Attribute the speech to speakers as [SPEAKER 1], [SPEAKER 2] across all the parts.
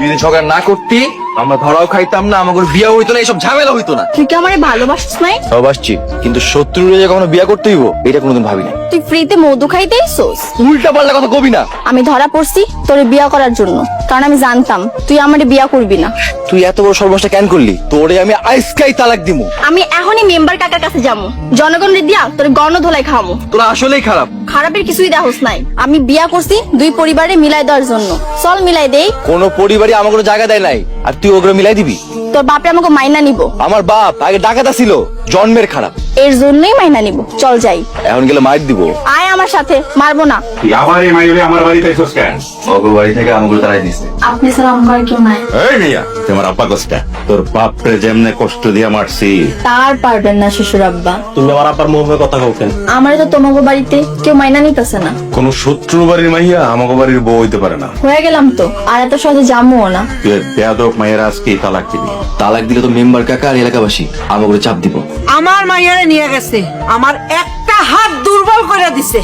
[SPEAKER 1] তুই যদি ঝগড়া না করতি আমরা ধরাও খাইতাম না, আমাকে বিয়ে হইতো না, এইসব ঝামেলা হইতো না।
[SPEAKER 2] তুই কি আমারে ভালোবাসিস নাই?
[SPEAKER 1] ভালোবাসছি, কিন্তু শত্রুরে যে কখনো বিয়ে করতে হইব এটা কোনোদিন ভাবি না।
[SPEAKER 2] তুই ফ্রিতে মধু খাইতে আইছস?
[SPEAKER 1] উল্টা পাল্টা কথা কবি না।
[SPEAKER 2] আমি ধরা পড়ছি তোরে বিয়া করার জন্য, কারণ আমি জানতাম তুই আমারে বিয়া করবি না।
[SPEAKER 1] তুই এত বড় সর্বনাশটা কেন করলি? তোরে আমি আইসকাই তালাক দিমু।
[SPEAKER 2] আমি এখনই মেম্বার কাকার কাছে যাবো, জনগণের দিয়া তোরে গণধোলাই খাওয়ামু।
[SPEAKER 1] তোরা আসলেই খারাপ।
[SPEAKER 2] খারাপের কিছুই দেখোস নাই, আমি বিয়া করছি দুই পরিবারে মিলাই দেওয়ার জন্য। চল মিলাই দেই।
[SPEAKER 1] কোনো পরিবারই আমার কোনো জায়গা দেয় নাই, আর তুই ওগুলো মিলাই দিবি?
[SPEAKER 2] তোর বাপে আমাকে মাইনা নিব।
[SPEAKER 1] আমার বাপ আগে ডাকাতা ছিল, জন্মের খারাপ,
[SPEAKER 2] এর জন্যই মাইনা নিব। চল যাই।
[SPEAKER 1] এখন গেলে মার দিব।
[SPEAKER 2] আয় আমার সাথে, মারবো না।
[SPEAKER 3] তুই আবার এই মাইরে আমার বাড়িতে আইছস কেন?
[SPEAKER 1] ওগো বাড়ি থেকে আমাকে তাড়াই দিছে।
[SPEAKER 2] আপনি স্যার আমার কেউ নাই।
[SPEAKER 3] এই মিয়া, তোমার আব্বা কষ্ট, তোর বাপরে যেমনে কষ্ট দিয়া মারছি।
[SPEAKER 2] তার পারবেন না শ্বশুর আব্বা।
[SPEAKER 4] তুমি আমার আব্বার মুখে কথা কও কেন?
[SPEAKER 2] আমারে তো তোমাকে বাড়িতে কেউ মাইনা নিতেছে না।
[SPEAKER 3] কোন শত্রু বাড়ির মাইয়া আমাকে বাড়ির বউ হইতে পারে না।
[SPEAKER 2] হয়ে গেলাম তো, আর এত সহজে যাবো না।
[SPEAKER 3] তুই বেয়াদব মায়ের আজকে তালাক দিবি।
[SPEAKER 1] তালাক দিলে তো মেম্বার কাকা আর এলাকাবাসী আমাকে চাপ দিব।
[SPEAKER 5] আমার মাইয়ারে নিয়ে গেছে, আমার একটা হাত দুর্বল করে দিছে।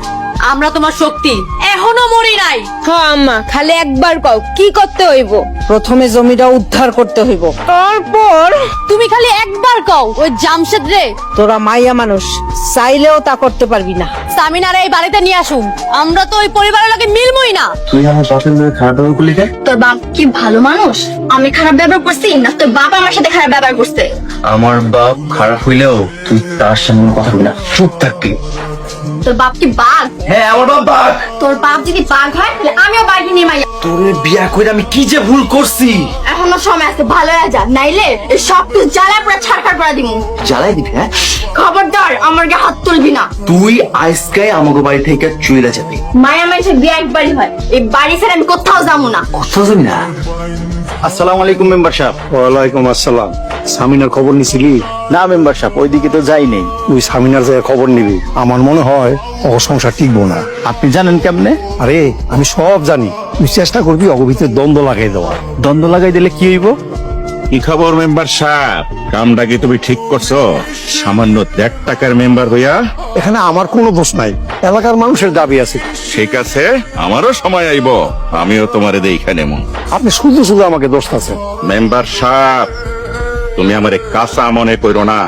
[SPEAKER 6] আমরা তোমার শক্তি, এখনো মরি নাই।
[SPEAKER 7] হ্যাঁ আম্মা, খালি একবার কও কি করতে হইব?
[SPEAKER 5] প্রথমে জমিটা উদ্ধার করতে হইব, তারপর
[SPEAKER 6] তুমি খালি একবার কও ওই জামশেদ রে
[SPEAKER 5] তোরা মাইয়া মানুষ চাইলেও তা করতে পারবি না।
[SPEAKER 6] সামিনারে এই বাড়িতে নিয়ে আসুন। আমরা তো ওই পরিবারের লোকে মিলমই না।
[SPEAKER 1] তুই আমার বাপের মেয়ে খারাপ ব্যবহার করলি কেন?
[SPEAKER 2] তোর বাপ কি ভালো মানুষ? আমি খারাপ ব্যবহার করছি না তোর বাপ আমার সাথে খারাপ ব্যবহার করছে?
[SPEAKER 1] আমার বাপ খারাপ হইলেও তুই তার সামনে কথা বলি না, চুপ থাকবি।
[SPEAKER 2] তোর বাপ কি বাঘ?
[SPEAKER 1] হ্যাঁ আমার বাপ বাঘ।
[SPEAKER 2] তোর বাপ যদি বাঘ হয় তাহলে আমিও বাঘই নিয়ে মাইয়া।
[SPEAKER 1] তোরে বিয়া করে আমি কি যে ভুল করছি।
[SPEAKER 2] এখনো সময় আছে, ভালো হয়ে যা, নাইলে এই সব কিছু জ্বালা পুরো ছাড়খাড় করে দিমু।
[SPEAKER 1] জ্বালাই দিবি? হ্যাঁ,
[SPEAKER 2] খবরদার আমার গায়ে হাত তুলবি না।
[SPEAKER 1] তুই আজকাই আমাকে বাড়ি থেকে চুইলা যাবি।
[SPEAKER 2] মায়া মানুষের বিয়ে একবারই হয়, এই বাড়ি ছেড়ে আমি কোথাও যাবো না।
[SPEAKER 1] কোথাও যাবি না?
[SPEAKER 4] আসসালামু আলাইকুম মেম্বার সাহেব।
[SPEAKER 8] ওয়ালাইকুম আসসালাম। সামিনার খবর নিছিলি?
[SPEAKER 4] না মেম্বার সাহেব, ওইদিকে তো যাই নেই।
[SPEAKER 8] তুই সামিনার থেকে খবর নিবি। আমার মনে হয় ও সংসার টিকবো না।
[SPEAKER 4] আপনি জানেন কেমনে?
[SPEAKER 8] আরে আমি সব জানি, তুই চেষ্টা করবি অগ ভিতরে দ্বন্দ্ব লাগাই দেওয়ার।
[SPEAKER 4] দ্বন্দ্ব লাগাই দিলে কি হইব?
[SPEAKER 3] কি খবর মেম্বার সাহেব? কামটা কি তুমি ঠিক করছো? সামান্য 1.5 টাকার মেম্বার হইয়া?
[SPEAKER 8] এখানে আমার কোনো দোষ নাই, এলাকার মানুষের দাবি আছে।
[SPEAKER 3] ঠিক আছে, আমারও সময় আইব, আমিও তোমারে দেখা নেব।
[SPEAKER 8] আপনি শুধু শুধু আমাকে দোষ আছেন।
[SPEAKER 3] মেম্বার সাহেব, তুমি আমারে কাঁচা মনে করো না।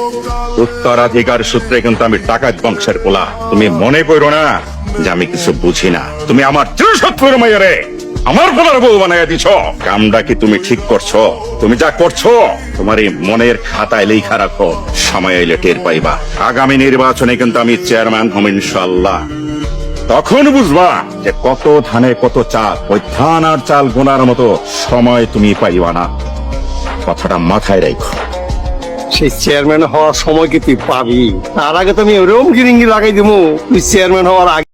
[SPEAKER 3] উত্তরাধিকার সূত্রে কিন্তু আমি ডাকাত বংশের পোলা। তুমি মনে করো না যে আমি কিছু বুঝি না। তুমি আমার চিরশত্রুর মাইয়ারে আমার পোলার বউ বানাইয়া দিছ। কামটা কি তুমি ঠিক করছো? তুমি যা করছো তোমার এই মনের খাতায় লেখা রাখো, সময় এলে টের পাইবা। আগামী নির্বাচনে কিন্তু আমি চেয়ারম্যান হব ইনশাআল্লাহ। তখন বুঝবা যে কত ধানে কত চাল। ওই ধান আর চাল গোনার মতো সময় তুমি পাইবা না, কথাটা মাথায় রাখো।
[SPEAKER 8] সেই চেয়ারম্যান হওয়ার সময় কি তুই পাবি? তার আগে তো আমি ওরকম গিরিঙ্গি লাগাই দিব, তুই চেয়ারম্যান হওয়ার আগে